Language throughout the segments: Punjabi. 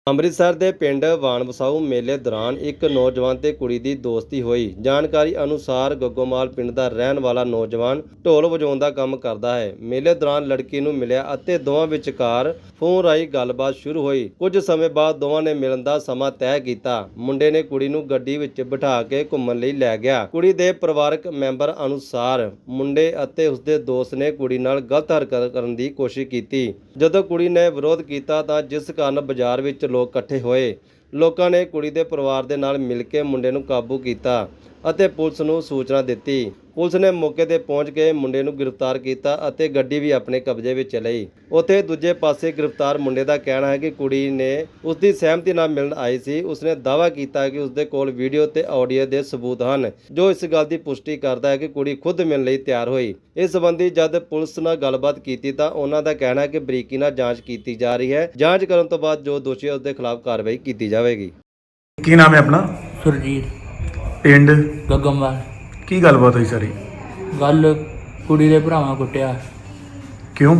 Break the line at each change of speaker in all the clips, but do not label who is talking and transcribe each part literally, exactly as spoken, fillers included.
ਅੰਮ੍ਰਿਤਸਰ ਦੇ ਪਿੰਡ ਵਾਣਵਸਾਊ ਮੇਲੇ ਦੌਰਾਨ ਇੱਕ ਨੌਜਵਾਨ ਤੇ ਕੁੜੀ ਦੀ ਦੋਸਤੀ ਹੋਈ। ਜਾਣਕਾਰੀ ਅਨੁਸਾਰ ਗੱਗੋਮਾਲ ਪਿੰਡ ਦਾ ਰਹਿਣ ਵਾਲਾ ਨੌਜਵਾਨ ਢੋਲ ਵਜਾਉਣ ਦਾ ਕੰਮ ਕਰਦਾ ਹੈ। ਮੇਲੇ ਦੌਰਾਨ ਲੜਕੀ ਨੂੰ ਮਿਲਿਆ ਅਤੇ ਦੋਵਾਂ ਵਿਚਕਾਰ ਫੋਨ ਰਾਹੀਂ ਗੱਲਬਾਤ ਸ਼ੁਰੂ ਹੋਈ। ਕੁਝ ਸਮੇਂ ਬਾਅਦ ਦੋਵਾਂ ਨੇ ਮਿਲਣ ਦਾ ਸਮਾਂ ਤੈਅ ਕੀਤਾ। ਮੁੰਡੇ ਨੇ ਕੁੜੀ ਨੂੰ ਗੱਡੀ ਵਿੱਚ ਬਿਠਾ ਕੇ ਘੁੰਮਣ ਲਈ ਲੈ ਗਿਆ। ਕੁੜੀ ਦੇ ਪਰਿਵਾਰਕ ਮੈਂਬਰ ਅਨੁਸਾਰ ਮੁੰਡੇ ਅਤੇ ਉਸਦੇ ਦੋਸਤ ਨੇ ਕੁੜੀ ਨਾਲ ਗਲਤ ਹਰਕਤ ਕਰਨ ਦੀ ਕੋਸ਼ਿਸ਼ ਕੀਤੀ। ਜਦੋਂ ਕੁੜੀ ਨੇ ਵਿਰੋਧ ਕੀਤਾ ਤਾਂ ਜਿਸ ਕਾਰਨ ਬਾਜ਼ਾਰ ਵਿੱਚ ਲੋਕ ਇਕੱਠੇ ਹੋਏ। ਲੋਕਾਂ ਨੇ ਕੁੜੀ ਦੇ ਪਰਿਵਾਰ ਦੇ ਨਾਲ ਮਿਲ ਕੇ ਮੁੰਡੇ ਨੂੰ ਕਾਬੂ ਕੀਤਾ ਅਤੇ ਪੁਲਿਸ ਨੂੰ ਸੂਚਨਾ ਦਿੱਤੀ। ਪੁਲਿਸ ਨੇ ਮੌਕੇ ਤੇ ਪਹੁੰਚ ਕੇ ਮੁੰਡੇ ਨੂੰ ਗ੍ਰਿਫਤਾਰ ਕੀਤਾ ਅਤੇ ਗੱਡੀ ਵੀ ਆਪਣੇ ਕਬਜ਼ੇ ਵਿੱਚ ਲਈ। ਉੱਥੇ ਦੂਜੇ ਪਾਸੇ ਗ੍ਰਿਫਤਾਰ ਮੁੰਡੇ ਦਾ ਕਹਿਣਾ ਹੈ ਕਿ ਕੁੜੀ ਨੇ ਉਸ ਦੀ ਸਹਿਮਤੀ ਨਾਲ ਮਿਲਣ ਆਈ ਸੀ। ਉਸਨੇ ਦਾਅਵਾ ਕੀਤਾ ਕਿ ਉਸਦੇ ਕੋਲ ਵੀਡੀਓ ਤੇ ਆਡੀਓ ਦੇ ਸਬੂਤ ਹਨ, ਜੋ ਇਸ ਗੱਲ ਦੀ ਪੁਸ਼ਟੀ ਕਰਦਾ ਹੈ ਕਿ ਕੁੜੀ ਖੁਦ ਮਿਲਣ ਲਈ ਤਿਆਰ ਹੋਈ। ਇਸ ਸੰਬੰਧੀ ਜਦ ਪੁਲਿਸ ਨਾਲ ਗੱਲਬਾਤ ਕੀਤੀ ਤਾਂ ਉਹਨਾਂ ਦਾ ਕਹਿਣਾ ਹੈ ਕਿ ਬਰੀਕੀ ਨਾਲ ਜਾਂਚ ਕੀਤੀ ਜਾ ਰਹੀ ਹੈ। ਜਾਂਚ ਕਰਨ ਤੋਂ ਬਾਅਦ ਜੋ ਦੋਸ਼ੀ ਹੈ ਉਸ ਦੇ ਖਿਲਾਫ ਕਾਰਵਾਈ ਕੀਤੀ ਜਾਵੇਗੀ।
ਕੀ ਨਾਮ ਹੈ ਆਪਣਾ?
ਸੁਰਜੀਤ,
ਪਿੰਡ
ਗੱਗੋਮਾਲ।
ਕੀ ਗੱਲਬਾਤ ਹੋਈ ਸਾਰੀ?
ਗੱਲ ਕੁੜੀ ਦੇ ਭਰਾਵਾਂ ਕੁੱਟਿਆ।
ਕਿਉਂ?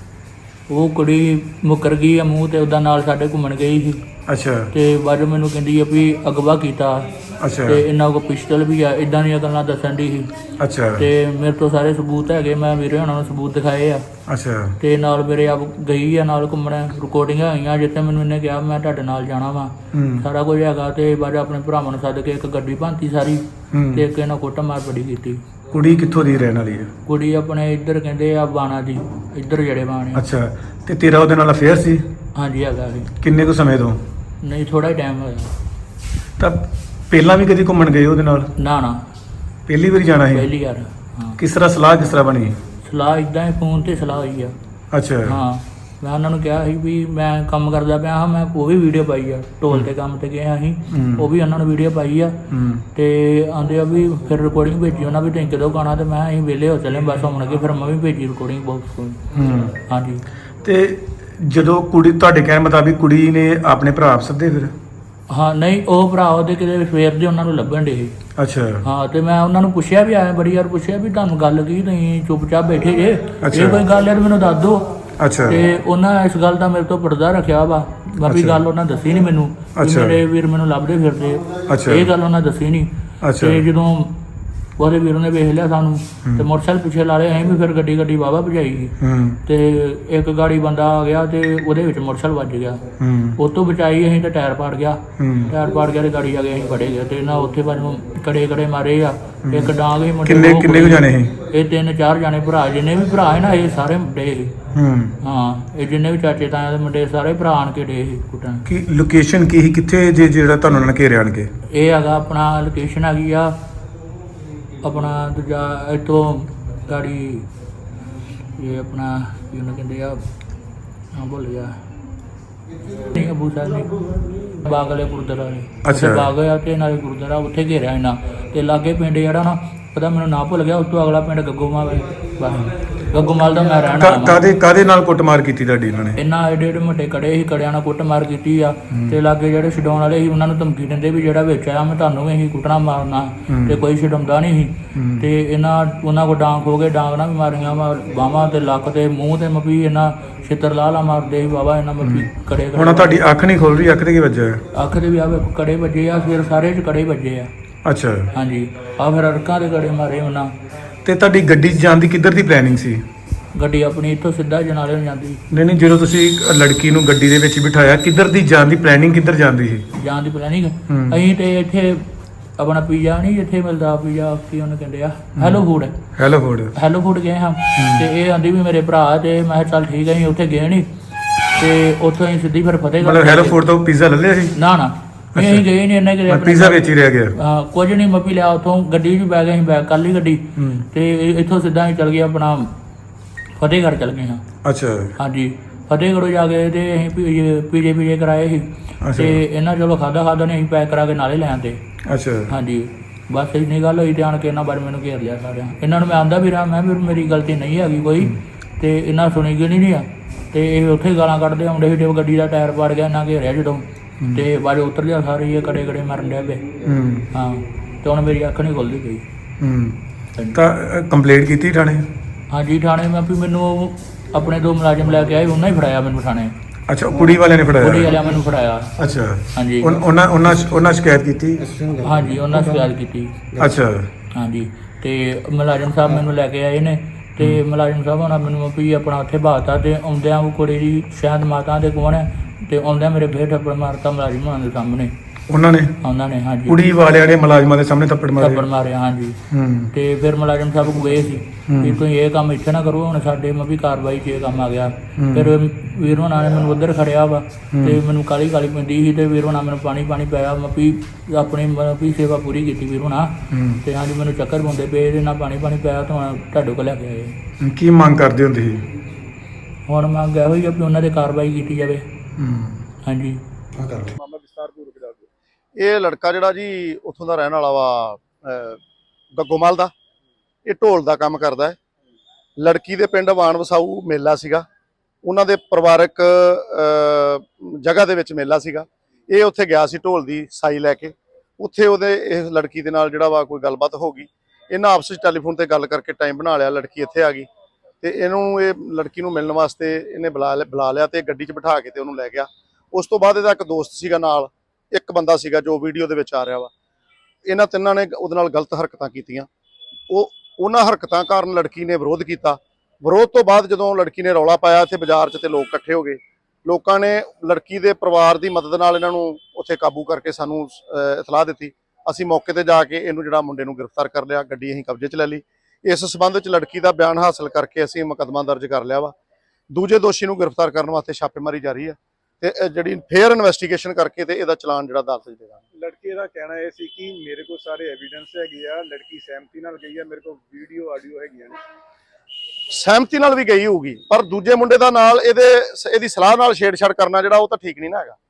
ਉਹ ਕੁੜੀ ਮੁੱਕਰ ਗਈ ਆ ਮੂੰਹ ਤੇ ਉਹਦਾ ਨਾਲ ਸਾਡੇ ਘੁੰਮਣ ਗਈ ਸੀ
ਅੱਛਾ
ਤੇ ਬਾਅਦ ਮੈਨੂੰ ਕਹਿੰਦੀ ਆ ਵੀ ਅਗਵਾ ਕੀਤਾ
ਅੱਛਾ
ਤੇ ਇਹਨਾਂ ਕੋਲ ਪਿਸਟਲ ਵੀ ਆ। ਇਦਾਂ ਦੀਆਂ ਗੱਲਾਂ ਦੱਸਣ ਦੀ ਸੀ
ਅੱਛਾ
ਤੇ ਮੇਰੇ ਤੋਂ ਸਾਰੇ ਸਬੂਤ ਹੈਗੇ। ਮੈਂ ਵੀਰੇ ਉਹਨਾਂ ਨੂੰ ਸਬੂਤ ਦਿਖਾਏ ਆ
ਅੱਛਾ
ਤੇ ਨਾਲ ਮੇਰੇ ਆਪ ਗਈ ਆ ਨਾਲ ਘੁੰਮਣ। ਰਿਕਾਰਡਿੰਗਾਂ ਹੋਈਆਂ ਜਿੱਥੇ ਮੈਨੂੰ ਇਹਨੇ ਕਿਹਾ ਮੈਂ ਤੁਹਾਡੇ ਨਾਲ ਜਾਣਾ ਵਾ,
ਹੂੰ
ਸਾਰਾ ਕੁਝ ਹੈਗਾ। ਤੇ ਬਾਅਦ ਆਪਣੇ ਭਰਾਵਾਂ ਨੂੰ ਸੱਦ ਕੇ ਇੱਕ ਗੱਡੀ ਭਾਂਤੀ ਸਾਰੀ
ਹੂੰ।
ਤੇ ਇੱਕ ਇਹਨਾਂ ਕੁੱਟ ਮਾਰ ਬੜੀ ਕੀਤੀ।
ਕੁੜੀ ਕਿੱਥੋਂ ਦੀ ਰਹਿਣ ਵਾਲੀ ਹੈ?
ਕੁੜੀ ਆਪਣੇ ਇੱਧਰ ਕਹਿੰਦੇ ਆ ਬਾਣਾ ਦੀ, ਇੱਧਰ ਜੜੇ ਬਾਣੇ।
ਅੱਛਾ, ਤੇ ਤੇਰਾ ਉਹਦੇ ਨਾਲ ਅਫੇਅਰ ਸੀ?
ਹਾਂਜੀ ਹੈਗਾ ਸੀ।
ਕਿੰਨੇ ਕੁ ਸਮੇਂ ਤੋਂ?
ਨਹੀਂ ਥੋੜਾ ਹੀ ਟਾਈਮ ਹੋਇਆ।
ਤਾਂ ਪਹਿਲਾਂ ਵੀ ਕਦੀ ਘੁੰਮਣ ਗਏ ਉਹਦੇ ਨਾਲ?
ਨਾ ਨਾ
ਪਹਿਲੀ ਵਾਰੀ ਜਾਣਾ ਸੀ?
ਪਹਿਲੀ ਵਾਰ। ਹਾਂ,
ਕਿਸ ਤਰ੍ਹਾਂ ਸਲਾਹ ਕਿਸ ਤਰ੍ਹਾਂ ਬਣੀ?
ਸਲਾਹ ਇਦਾਂ ਹੀ ਫੋਨ ਤੇ ਸਲਾਹ ਹੋਈ ਆ।
ਅੱਛਾ
ਹਾਂ, ਮੈਂ ਉਹਨਾਂ ਨੂੰ ਕਿਹਾ ਸੀ ਵੀ ਮੈਂ ਕੰਮ ਕਰਦਾ ਪਿਆ ਹਾਂ। ਮੈਂ ਉਹ ਵੀ ਵੀਡੀਓ ਪਾਈ ਆ, ਢੋਲ ਤੇ ਕੰਮ ਤੇ ਗਏ ਅਸੀਂ,
ਹੂੰ।
ਉਹ ਵੀ ਉਹਨਾਂ ਨੂੰ ਵੀਡੀਓ ਪਾਈ ਆ।
ਹੂੰ
ਤੇ ਆਂਦੇ ਆ ਵੀ ਫਿਰ ਰਿਕਾਰਡਿੰਗ ਭੇਜੀ ਉਹਨਾਂ ਵੀ, ਤੁਸੀਂ ਕਦੋਂ ਗਾਣਾ? ਤੇ ਮੈਂ ਅਸੀਂ ਵਿਹਲੇ ਹੋ ਚੱਲੇ ਬਸ ਹੁਣ ਅੱਗੇ। ਫਿਰ ਮੈਂ ਵੀ ਭੇਜੀ ਰਿਕਾਰਡਿੰਗ ਬਾਕਸ ਕੋਲ।
ਹੂੰ।
ਹਾਂਜੀ।
ਤੇ ਜਦੋਂ ਕੁੜੀ ਤੁਹਾਡੇ ਕਹਿਣ ਮੁਤਾਬਿਕ ਕੁੜੀ ਨੇ ਆਪਣੇ ਭਰਾ ਸੱਦੇ ਫਿਰ?
ਹਾਂ ਨਹੀਂ, ਉਹ ਭਰਾ ਉਹਦੇ ਕਿਤੇ ਸਵੇਰ ਦੇ ਉਹਨਾਂ ਨੂੰ ਲੱਭਣ ਡੇ ਸੀ।
ਅੱਛਾ
ਹਾਂ, ਤੇ ਮੈਂ ਉਹਨਾਂ ਨੂੰ ਪੁੱਛਿਆ ਵੀ ਆਇਆ ਬੜੀ ਵਾਰ ਪੁੱਛਿਆ ਵੀ ਤੁਹਾਨੂੰ ਗੱਲ ਕੀ, ਤੁਸੀਂ ਚੁੱਪਚਾਪ ਬੈਠੇ ਜੇ,
ਅੱਛਾ।
ਇਹ ਕੋਈ ਗੱਲ ਹੈ ਤਾਂ ਮੈਨੂੰ ਦੱਸ ਦਿਓ।
ਅੱਛਾ
ਤੇ ਉਹਨਾਂ ਇਸ ਗੱਲ ਦਾ ਮੇਰੇ ਤੋਂ ਪਰਦਾ ਰੱਖਿਆ ਵਾ। ਬਾਕੀ
ਅੱਛਾ।
ਗੱਲ ਉਹਨਾਂ ਦੱਸੀ ਨਹੀਂ ਮੈਨੂੰ ਵੀ
ਅੱਛਾ।
ਮੇਰੇ ਵੀਰ ਮੈਨੂੰ ਲੱਭਦੇ ਫਿਰਦੇ।
ਅੱਛਾ।
ਇਹ ਗੱਲ ਉਹਨਾਂ ਦੱਸੀ ਨਹੀਂ।
ਅੱਛਾ।
ਤੇ ਜਦੋਂ ਉਹਦੇ ਵੀਰ ਨੇ ਵੇਖ ਲਿਆ ਸਾਨੂੰ ਤੇ ਮੋਟਰਸਾਈਕਲ ਪਿੱਛੇ ਲਾ ਲਿਆ। ਅਸੀਂ ਵੀ ਫਿਰ ਗੱਡੀ ਗੱਡੀ ਵਾਹਵਾ ਭਜਾਈ ਗਈ
ਹੂੰ
ਤੇ ਇੱਕ ਗਾੜੀ ਬੰਦਾ ਆ ਗਿਆ ਤੇ ਉਹਦੇ ਵਿੱਚ ਮੋਟਰਸਾਈਕਲ ਵੱਜ ਗਿਆ।
ਹੂੰ
ਉਹ ਤੋਂ ਬਚਾਈ ਅਸੀਂ ਤੇ ਟਾਇਰ ਪਾੜ ਗਿਆ।
ਹੂੰ।
ਟਾਇਰ ਪਾੜ ਗਿਆ ਤੇ ਗਾੜੀ ਆ ਗਏ ਅਸੀਂ ਫੜੇ ਗਏ ਤੇ ਨਾ ਉੱਥੇ ਬਾਅਦ ਨੂੰ ਕੜੇ ਕੜੇ ਮਾਰੇ ਆ। ਇੱਕ ਡਾਂਗ ਹੀ ਮੁੰਡੇ
ਕਿੰਨੇ
ਨੂੰ
ਕਿੰਨੇ ਕੁ ਜਾਣੇ ਸੀ?
ਇਹ ਤਿੰਨ ਚਾਰ ਜਾਣੇ ਭਰਾ, ਜਿੰਨੇ ਵੀ ਭਰਾ ਹੈ ਨਾ ਇਹ ਸਾਰੇ ਡੇ ਸੀ।
ਹੂੰ।
ਹਾਂ, ਇਹ ਜਿੰਨੇ ਵੀ ਚਾਚੇ ਤਾਇਆ ਦੇ ਮੁੰਡੇ ਸਾਰੇ ਭਰਾ ਆਣ ਕੇ ਡੇ ਸੀ ਕੁੱਟਣ।
ਕੀ ਲੋਕੇਸ਼ਨ ਕੀ ਸੀ? ਕਿੱਥੇ ਜੇ ਜਿਹੜਾ ਤੁਹਾਨੂੰ ਉਹਨਾਂ ਨੇ ਘੇਰਿਆ ਆਣ ਕੇ?
ਇਹ ਹੈਗਾ ਆਪਣਾ ਲੋਕੇਸ਼ਨ ਹੈਗੀ ਆ ਆਪਣਾ ਦੂਜਾ ਇੱਥੋਂ ਗਾੜੀ ਇਹ ਆਪਣਾ ਕੀ ਉਹਨੂੰ ਕਹਿੰਦੇ ਆ, ਹਾਂ ਭੁੱਲ ਗਿਆ। ਨਹੀਂ ਅਬੂ ਸਾਹਿਬ ਨੇ ਬਾਗ ਵਾਲੇ ਗੁਰਦੁਆਰਾ ਨੇ।
ਅੱਛਾ।
ਬਾਗ ਆ ਤੇ ਨਾਲੇ ਗੁਰਦੁਆਰਾ ਉੱਥੇ ਘੇਰਿਆ ਇਹਨਾਂ ਤੇ ਲਾਗੇ ਪਿੰਡ ਜਿਹੜਾ ਨਾ ਪਤਾ ਮੈਨੂੰ ਨਾ ਭੁੱਲ ਗਿਆ। ਉਸ ਤੋਂ ਅਗਲਾ ਪਿੰਡ ਗੱਗੋਮਾਲ ਹੈ। ਬਸ ਗੱਗੋਮਾਲ ਦਾ ਮੈਂ ਰਹਿਣਾ ਵਾ।
ਕਾਦੇ ਕਾਦੇ ਨਾਲ ਕੁੱਟਮਾਰ ਕੀਤੀ ਤੁਹਾਡੀ ਇਹਨਾਂ ਨੇ?
ਇਹਨਾਂ ਏਡੇ ਏਡੇ ਮੋਟੇ ਕੜੇ ਸੀ, ਕੜਿਆਂ ਨਾਲ ਕੁੱਟਮਾਰ ਕੀਤੀ ਆ। ਤੇ ਲਾਗੇ ਜਿਹੜੇ ਛਡਾਉਣ ਵਾਲੇ ਸੀ ਉਹਨਾਂ ਨੂੰ ਧਮਕੀ ਦਿੰਦੇ ਵੀ ਜਿਹੜਾ ਵਿੱਚ ਆਇਆ ਮੈਂ ਤੁਹਾਨੂੰ ਵੀ ਅਸੀਂ ਕੁੱਟਣਾ ਮਾਰਨਾ। ਤੇ ਕੋਈ ਛਡਾਉਂਦਾ ਨਹੀਂ ਸੀ। ਤੇ ਇਹਨਾਂ ਉਹਨਾਂ ਕੋਲ ਡਾਂਗ ਹੋ ਗਏ, ਡਾਂਗ ਨਾਲ ਵੀ ਮਾਰੀਆਂ ਵਾ ਬਾਹਾਂ ਤੇ ਲੱਕ ਤੇ ਮੂੰਹ ਤੇ ਮਪੀ। ਇਹਨਾਂ ਛਿੱਤਰ ਲਾ ਲਾ ਮਾਰਦੇ ਸੀ ਬਾਬਾ ਇਹਨਾਂ ਮਪੀ ਕੜੇ।
ਹੁਣ ਤੁਹਾਡੀ ਅੱਖ ਨਹੀਂ ਖੁੱਲ ਰਹੀ? ਅੱਖ ਤੇ ਕੀ ਵੱਜਿਆ?
ਅੱਖ ਦੇ ਵੀ ਆ ਵੇਖੋ ਕੜੇ ਵੱਜੇ ਆ, ਫਿਰ ਸਾਰੇ ਚ ਕੜੇ ਵੱਜੇ ਆ।
ਅੱਛਾ।
ਹਾਂਜੀ, ਆ ਫਿਰ ਅੜਕਾਂ ਦੇ ਕੜੇ ਮਾਰੇ ਉਹਨਾਂ।
ਤੇ ਤੁਹਾਡੀ ਗੱਡੀ 'ਚ ਜਾਣ ਦੀ ਕਿੱਧਰ ਦੀ ਪਲੈਨਿੰਗ ਸੀ?
ਗੱਡੀ ਆਪਣੀ ਇੱਥੋਂ ਸਿੱਧਾ ਜਨਾਲੇ ਨੂੰ ਜਾਂਦੀ।
ਨਹੀਂ ਨਹੀਂ, ਜਦੋਂ ਤੁਸੀਂ ਲੜਕੀ ਨੂੰ ਗੱਡੀ ਦੇ ਵਿੱਚ ਬਿਠਾਇਆ ਕਿੱਧਰ ਦੀ ਜਾਣ ਦੀ ਪਲੈਨਿੰਗ ਕਿੱਧਰ ਜਾਂਦੀ ਸੀ?
ਜਾਣ ਦੀ ਪਲੈਨਿੰਗ
ਹੂੰ।
ਅਸੀਂ ਤੇ ਇੱਥੇ ਆਪਣਾ ਪੀਜ਼ਾ ਨਹੀਂ ਜਿੱਥੇ ਮਿਲਦਾ ਪੀਜ਼ਾ ਕੀ ਉਹਨੂੰ ਕਹਿੰਦੇ ਆ, hello food.
Hello food
hello food ਗਏ ਹਾਂ। ਤੇ ਇਹ ਆਂਦੀ ਵੀ ਮੇਰੇ ਭਰਾ ਤੇ ਮੈਂ ਕਿਹਾ ਚੱਲ ਠੀਕ ਹੈ। ਅਸੀਂ ਉੱਥੇ ਗਏ ਨਹੀਂ ਤੇ ਉੱਥੋਂ ਅਸੀਂ ਸਿੱਧੀ ਫਿਰ ਫਤਿਹਗੜ੍ਹ।
ਮਤਲਬ ਹੈਲੋ ਫੂਡ ਤੋਂ ਪੀਜ਼ਾ ਲੈ ਲਿਆ ਸੀ?
ਨਾ ਨਾ, ਅਸੀਂ ਗਏ ਨਹੀਂ ਇੰਨੇ ਕਿਤੇ।
ਪੀਜ਼ਾ ਵਿੱਚ ਹੀ ਰਹਿ ਗਿਆ?
ਹਾਂ, ਕੁਝ ਨਹੀਂ ਮੱਪੀ ਲਿਆ ਉੱਥੋਂ। ਗੱਡੀ 'ਚ ਬੈ ਗਏ ਅਸੀਂ, ਬੈਗ ਕਰ ਲਈ ਗੱਡੀ
ਹੂੰ।
ਤੇ ਇੱਥੋਂ ਸਿੱਧਾ ਅਸੀਂ ਚੱਲ ਗਏ ਆਪਣਾ ਫਤਿਹਗੜ੍ਹ ਚੱਲ ਗਏ ਹਾਂ।
ਅੱਛਾ।
ਹਾਂਜੀ, ਫਤਿਹਗੜ੍ਹ ਜਾ ਕੇ ਤੇ ਅਸੀਂ ਪੀਜੇ ਪੀਜੇ ਪੀਜੇ ਕਰਾਏ ਸੀ। ਤੇ ਇਹਨਾਂ ਚਲੋ ਖਾਦਾ ਖਾਦਾ ਨੇ ਅਸੀਂ ਪੈਕ ਕਰਾ ਕੇ ਨਾਲੇ ਲੈ ਆਂਦੇ।
ਅੱਛਾ।
ਹਾਂਜੀ, ਬਸ ਇੰਨੀ ਗੱਲ ਹੋਈ ਤੇ ਆਣ ਕੇ ਇਹਨਾਂ ਬਾਰੇ ਮੈਨੂੰ ਘੇਰ ਲਿਆ ਸਾਰਿਆਂ। ਇਹਨਾਂ ਨੂੰ ਮੈਂ ਆਂਦਾ ਵੀ ਰਹਾ ਮੈਂ ਵੀ ਮੇਰੀ ਗਲਤੀ ਨਹੀਂ ਹੈਗੀ ਕੋਈ। ਤੇ ਇਹਨਾਂ ਸੁਣੀ ਗਈ ਨਹੀਂ ਆ ਤੇ ਇਹ ਉੱਥੇ ਗਾਲਾਂ ਕੱਢਦੇ ਆਉਂਦੇ ਸੀ। ਤੇ ਗੱਡੀ ਦਾ ਟਾਇਰ ਪਾੜ ਗਿਆ, ਇਹਨਾਂ ਘੇਰਿਆ ਜਦੋਂ ਤੇ ਬਾਅਦ ਉਤਰ ਲਿਆ ਸਾਰੇ। ਇਹ ਕੜੇ ਕੜੇ ਮਾਰਨ ਡਿਆ ਪਏ।
ਹੂੰ।
ਹਾਂ, ਤੇ ਹੁਣ ਮੇਰੀ ਅੱਖ ਨਹੀਂ ਖੁੱਲਦੀ ਪਈ।
ਹੂੰ। ਤਾਂ ਕੰਪਲੇਂਟ ਕੀਤੀ ਥਾਣੇ?
ਹਾਂਜੀ, ਥਾਣੇ ਮੈਂ ਵੀ ਮੈਨੂੰ ਆਪਣੇ ਦੋ ਮੁਲਾਜ਼ਮ ਲੈ ਕੇ ਆਏ, ਉਹਨਾਂ ਹੀ ਫੜਾਇਆ ਮੈਨੂੰ ਥਾਣੇ।
ਅੱਛਾ ਉਹ ਕੁੜੀ ਵਾਲਿਆਂ ਨੇ
ਕੁੜੀ
ਫੜਾਇਆ
ਵਾਲਿਆਂ ਮੈਨੂੰ ਫੜਾਇਆ।
ਅੱਛਾ
ਹਾਂਜੀ
ਉਨ- ਉਹਨਾਂ ਉਹਨਾਂ ਉਹਨਾਂ ਸ਼ਿਕਾਇਤ ਕੀਤੀ
ਹਾਂਜੀ ਉਹਨਾਂ ਸ਼ਿਕਾਇਤ ਕੀਤੀ।
ਅੱਛਾ
ਹਾਂਜੀ ਤੇ ਮੁਲਾਜ਼ਮ ਸਾਹਿਬ ਮੈਨੂੰ ਲੈ ਕੇ ਆਏ ਨੇ ਤੇ ਮੁਲਾਜ਼ਮ ਸਾਹਿਬ ਉਹਨਾਂ ਮੈਨੂੰ ਵੀ ਆਪਣਾ ਉੱਥੇ ਬਾਤਾ ਤੇ ਆਉਂਦਿਆਂ ਉਹ ਕੁੜੀ ਦੀ ਸ਼ਾਇਦ ਮਾਤਾ ਦੇ ਕੋਲ ਹੈ ਤੇ ਆਉਂਦਿਆਂ ਮੇਰੇ ਫੇਰ ਥੱਪੜ ਮਾਰਤਾ ਮੁਲਾਜ਼ਮ ਉਹਨਾਂ ਦੇ ਸਾਹਮਣੇ।
ਉਹਨਾਂ ਨੇ
ਉਹਨਾਂ ਨੇ ਹਾਂਜੀ
ਕੁੜੀ ਵਾਲਿਆਂ ਨੇ ਮੁਲਾਜ਼ਮਾਂ ਦੇ ਸਾਹਮਣੇ ਥੱਪੜ ਮਾਰੇ
ਥੱਪੜ ਮਾਰਿਆ ਹਾਂਜੀ।
ਹੂੰ
ਤੇ ਫਿਰ ਮੁਲਾਜ਼ਮ ਸਾਹਿਬ ਕੋਲ ਗਏ ਸੀ ਵੀ ਤੁਸੀਂ ਇਹ ਕੰਮ ਇੱਥੇ ਨਾ ਕਰੋ, ਹੁਣ ਸਾਡੇ ਮੈਂ ਵੀ ਕਾਰਵਾਈ 'ਚ ਇਹ ਕੰਮ ਆ ਗਿਆ। ਫਿਰ ਵੀਰ ਹੋਣਾ ਨੇ ਮੈਨੂੰ ਉੱਧਰ ਖੜਿਆ ਵਾ ਤੇ ਮੈਨੂੰ ਕਾਲੀ ਕਾਲੀ ਪੈਂਦੀ ਸੀ ਤੇ ਵੀਰ ਹੋਣਾ ਮੈਨੂੰ ਪਾਣੀ ਪਾਣੀ ਪਿਆ। ਮੈਂ ਵੀ ਆਪਣੀ ਮਤਲਬ ਵੀ ਸੇਵਾ ਪੂਰੀ ਕੀਤੀ ਵੀਰ ਹੋਣਾ ਤੇ ਹਾਂਜੀ ਮੈਨੂੰ ਚੱਕਰ ਪਾਉਂਦੇ ਪਏ ਇਹਦੇ ਨਾਲ ਪਾਣੀ ਪਾਣੀ ਪਿਆ ਤਾਂ ਹੁਣ ਤੁਹਾਡੇ ਕੋਲ ਲੈ ਕੇ ਆਏ।
ਕੀ ਮੰਗ ਕਰਦੇ ਹੁੰਦੇ ਸੀ?
ਹੁਣ ਮੰਗ ਇਹੋ ਹੀ ਆ ਵੀ ਉਹਨਾਂ 'ਤੇ ਕਾਰਵਾਈ ਕੀਤੀ ਜਾਵੇ। ਹਾਂਜੀ
ਇਹ ਲੜਕਾ ਜਿਹੜਾ ਜੀ ਉੱਥੋਂ ਦਾ ਰਹਿਣ ਵਾਲਾ ਵਾ ਅਹ ਗੱਗੋਮਲ ਦਾ, ਇਹ ਢੋਲ ਦਾ ਕੰਮ ਕਰਦਾ ਹੈ। ਲੜਕੀ ਦੇ ਪਿੰਡ ਵਾਣ ਵਸਾਊ ਮੇਲਾ ਸੀਗਾ, ਉਹਨਾਂ ਦੇ ਪਰਿਵਾਰਕ ਅਹ ਜਗ੍ਹਾ ਦੇ ਵਿੱਚ ਮੇਲਾ ਸੀਗਾ। ਇਹ ਉੱਥੇ ਗਿਆ ਸੀ ਢੋਲ ਦੀ ਸਾਈ ਲੈ ਕੇ। ਉੱਥੇ ਉਹਦੇ ਇਸ ਲੜਕੀ ਦੇ ਨਾਲ ਜਿਹੜਾ ਵਾ ਕੋਈ ਗੱਲਬਾਤ ਹੋ ਗਈ। ਇਹਨਾਂ ਆਪਸ ਵਿੱਚ ਟੈਲੀਫੋਨ ਤੇ ਗੱਲ ਕਰਕੇ ਟਾਈਮ ਬਣਾ ਲਿਆ। ਲੜਕੀ ਇੱਥੇ ਆ ਗਈ ਤੇ ਇਹਨੂੰ ਇਹ ਲੜਕੀ ਨੂੰ ਮਿਲਣ ਵਾਸਤੇ ਇਹਨੇ ਬੁਲਾ ਬੁਲਾ ਲਿਆ ਤੇ ਗੱਡੀ 'ਚ ਬਿਠਾ ਕੇ ਤੇ ਉਹਨੂੰ ਲੈ ਗਿਆ। ਉਸ ਤੋਂ ਬਾਅਦ ਇਹਦਾ ਇੱਕ ਦੋਸਤ ਸੀਗਾ ਨਾਲ, ਇੱਕ ਬੰਦਾ ਸੀਗਾ ਜੋ ਵੀਡੀਓ ਦੇ ਵਿੱਚ ਆ ਰਿਹਾ ਵਾ। ਇਹਨਾਂ ਤਿੰਨਾਂ ਨੇ ਉਹਦੇ ਨਾਲ ਗਲਤ ਹਰਕਤਾਂ ਕੀਤੀਆਂ। ਉਹ ਉਹਨਾਂ ਹਰਕਤਾਂ ਕਾਰਨ ਲੜਕੀ ਨੇ ਵਿਰੋਧ ਕੀਤਾ। ਵਿਰੋਧ ਤੋਂ ਬਾਅਦ ਜਦੋਂ ਲੜਕੀ ਨੇ ਰੌਲਾ ਪਾਇਆ ਇੱਥੇ ਬਾਜ਼ਾਰ 'ਚ ਤੇ ਲੋਕ ਇਕੱਠੇ ਹੋ ਗਏ। ਲੋਕਾਂ ਨੇ ਲੜਕੀ ਦੇ ਪਰਿਵਾਰ ਦੀ ਮਦਦ ਨਾਲ ਇਹਨਾਂ ਨੂੰ ਉੱਥੇ ਕਾਬੂ ਕਰਕੇ ਸਾਨੂੰ ਇਤਲਾਹ ਦਿੱਤੀ। ਅਸੀਂ ਮੌਕੇ ਤੇ ਜਾ ਕੇ ਇਹਨੂੰ ਜਿਹੜਾ ਮੁੰਡੇ ਨੂੰ ਗ੍ਰਿਫਤਾਰ ਕਰ ਲਿਆ, ਗੱਡੀ ਅਸੀਂ ਕਬਜ਼ੇ 'ਚ ਲੈ ਲਈ। ਇਸ ਸਬੰਧ ਵਿੱਚ ਲੜਕੀ ਦਾ ਬਿਆਨ ਹਾਸਲ ਕਰਕੇ ਅਸੀਂ ਮੁਕੱਦਮਾ ਦਰਜ ਕਰ ਲਿਆ ਵਾ। ਦੂਜੇ ਦੋਸ਼ੀ ਨੂੰ ਗ੍ਰਿਫਤਾਰ ਕਰਨ ਵਾਸਤੇ ਛਾਪੇਮਾਰੀ ਜਾਰੀ ਹੈ ਤੇ ਜਿਹੜੀ ਫੇਅਰ ਇਨਵੈਸਟੀਗੇਸ਼ਨ ਕਰਕੇ ਤੇ ਇਹਦਾ ਚਲਾਨ ਜਿਹੜਾ ਅਦਾਲਤ 'ਚ ਦੇਵਾਂਗੇ।
ਲੜਕੇ ਦਾ ਕਹਿਣਾ ਇਹ ਸੀ ਕਿ ਮੇਰੇ ਕੋਲ ਸਾਰੇ ਐਵੀਡੈਂਸ ਹੈਗੇ ਆ, ਲੜਕੀ ਸਹਿਮਤੀ ਨਾਲ ਗਈ ਆ, ਮੇਰੇ ਕੋਲ ਵੀਡੀਓ ਆਡੀਓ ਹੈਗੀਆਂ ਨੇ।
ਸਹਿਮਤੀ ਨਾਲ ਵੀ ਗਈ ਹੋਊਗੀ, ਪਰ ਦੂਜੇ ਮੁੰਡੇ ਦਾ ਨਾਲ ਇਹਦੇ ਇਹਦੀ ਸਲਾਹ ਨਾਲ ਛੇੜਛਾੜ ਕਰਨਾ ਜਿਹੜਾ ਉਹ ਤਾਂ ਠੀਕ ਨਹੀਂ ਨਾ ਹੈਗਾ।